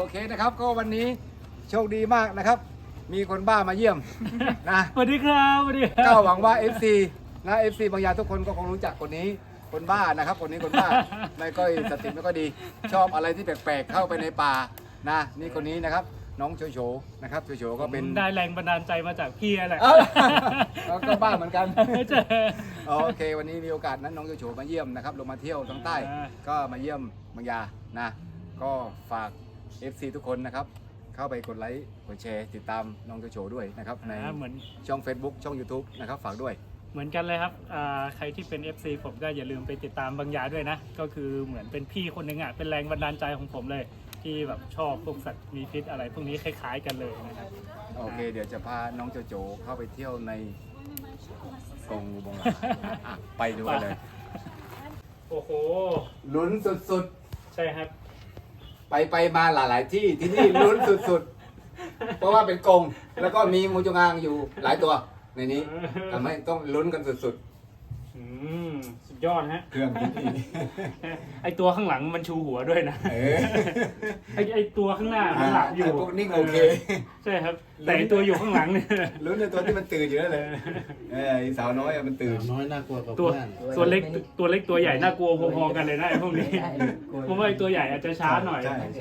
เคนะครับก็วันนี้โชคดีมากนะครับ มีคนบ้ามาเยี่ยมนะสวัสดีครับสวัสดีคก็รับหวังว่า FC นะ FC บางยาทุกคนก็คงรู้จักคนนี้คนบ้านะครับคนนี้คนบ้า ไม่ก็สติไม่ก็ดี ชอบอะไรที่แปลกๆเข้าไปในป่านะนี่คนนี้นะครับน้องโฉโฉนะครับโฉโฉก็เป็นได้แรงบันดาลใจมาจากพี่แหละเอ้าเราก็บ้าเหมือนกันเจอโอเค วันนี้มีโอกาสนั้นน้องโฉโฉมาเยี่ยมนะครับลงมาเที่ยวทางใต้ ก็มาเยี่ยมบางยานะก็ฝาก FC ทุกคนนะครับเข้าไปกดไลค์กดแชร์ติดตามน้องโฉโฉด้วยนะครับในเหมือนช่อง Facebook ช่อง YouTube นะครับฝากด้วยเหมือนกันเลยครับใครที่เป็น FC ผมก็อย่าลืมไปติดตามบางยาด้วยนะ ก็คือเหมือนเป็นพี่คนหนึ่งอ่ะเป็นแรงบันดาลใจของผมเลย ที่แบบชอบพวกสัตว์มีพิษอะไรพวกนี้คล้ายๆกันเลยนะครับโอเค เดี๋ยวจะพาน้องโจโจเข้าไปเที่ยวในกรงงูบงหลาอ่ะไปดูกันเลยโอ้โหลุ้นสุดใช่ครับๆ ไปมาหลายๆที่ที่นี่ลุ้นสุดๆ เพราะว่าเป็นกรงแล้วก็มีงูจงอางอยู่หลายตัวในนี้ทำให้ต้องลุ้นกันสุดสุดยอดฮะๆ เครื่องพิธีไอตัวข้างหลังมันชูหัวด้วยนะเออไอตัวข้างหน้ามันหลับอยู่พวกนิ่งโอเคใช่ครับ แต่ไอ้ตัวอยู่ข้างหลังเนี่ยลุ้นในตัวที่มันตื่นอยู่นั่นเลยไอ้สาวน้อยอะมันตื่นน้อยน่ากลัวกว่าตัวเพื่อนตัวเล็กตัวใหญ่น่ากลัวพอๆกันเลยนะไอ้พวกนี้เพราะว่าไอ้ตัวใหญ่อาจจะช้าหน่อยใช่ใช่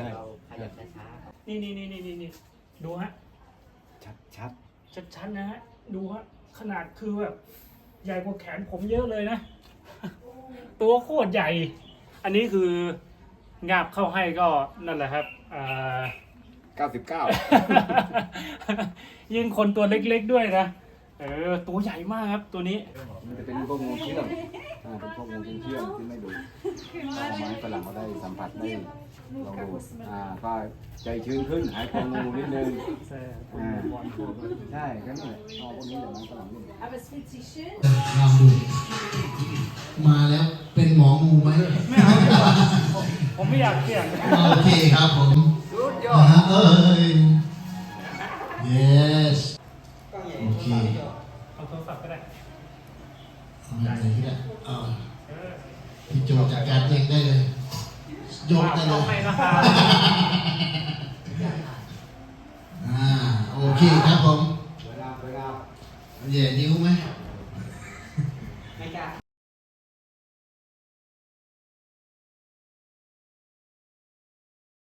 นี่ดูฮะชัดชัดๆนะฮะดูฮะขนาดคือแบบใหญ่กว่าแขนผมเยอะเลยนะ ตัวโคตรใหญ่ อันนี้คืองาบเข้าให้ก็นั่นแหละครับ 99 ยิ่งคนตัวเล็กๆด้วยนะตัวใหญ่มากครับตัวนี้มันจะเป็นพวกงูเชื่องเป็นพวกงูเชื่องที่ไม่ดุเอาไม้ฝรั่งมาได้สัมผัสได้ลองดูก็ใจชื้นขึ้นหายกลัวงูนิดนึงใช่ก็นี่แหละเอาพวกนี้แหละไม้ฝรั่งนี่ Aber es fühlt sich schön. ลองดูมาแล้วเป็นหมองูไหมไม่เอาดีกว่าผมไม่อยากเสี่ยงโอเคครับผมสุดยอดเอ้ย yes โอเคเอาโทรศัพท์ก็ได้เอาอะไรก็ได้เอาพี่โจจัดการเองได้เลยโยกได้เลต้องยให้นะครับโอเคครับผมสวยงามเหย่นิ้วไหม